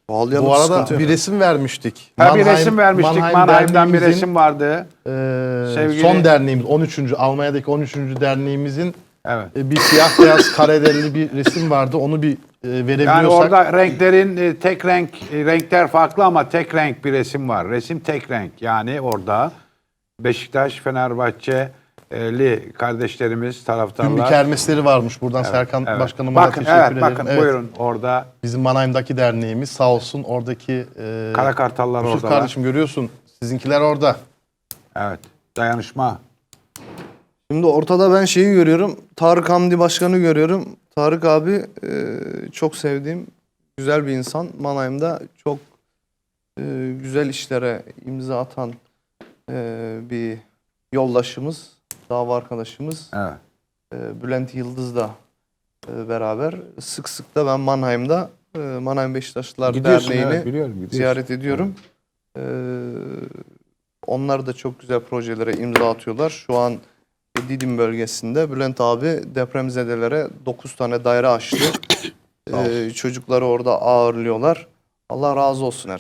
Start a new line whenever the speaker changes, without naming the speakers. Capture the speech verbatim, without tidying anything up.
Bağlayalım,
Bu arada
sıkıntı yok.
bir resim vermiştik.
Ha, bir
Mannheim-
resim vermiştik. Mannheim'den bir resim vardı.
e,
Sevgili-
son derneğimiz on üçüncü Almanya'daki on üçüncü derneğimizin
Evet.
e, bir siyah beyaz karedelli bir resim vardı. Onu bir e, verebiliyorsak.
Yani orada renklerin e, tek renk, e, renkler farklı ama tek renk bir resim var. Resim tek renk. Yani orada Beşiktaş, Fenerbahçeli kardeşlerimiz,
Tüm bir
taraftarlar.
kermesleri varmış. Buradan Serkan
Evet.
Başkanıma da
Bakın,
teşekkür
evet,
ederim.
bakın buyurun orada
Bizim Mannheim'daki derneğimiz sağ olsun oradaki e,
Kara Kartallar
Yusuf
oradalar.
kardeşim görüyorsun. Sizinkiler orada.
Evet. Dayanışma.
Şimdi ortada ben şeyi görüyorum. Tarık Hamdi Başkan'ı görüyorum. Tarık abi e, çok sevdiğim güzel bir insan. Mannheim'da çok e, güzel işlere imza atan e, bir yoldaşımız, dava arkadaşımız.
Evet.
E, Bülent Yıldız'la e, beraber sık sık da ben Mannheim'da e, Mannheim Beşiktaşlılar
Gidiyorsun,
Derneği'ni
evet, biliyorum, gidiyorsun.
ziyaret ediyorum. E, onlar da çok güzel projelere imza atıyorlar. Şu an Didim bölgesinde Bülent abi depremzedelere dokuz tane daire açtı. e, çocukları orada ağırlıyorlar. Allah razı olsun her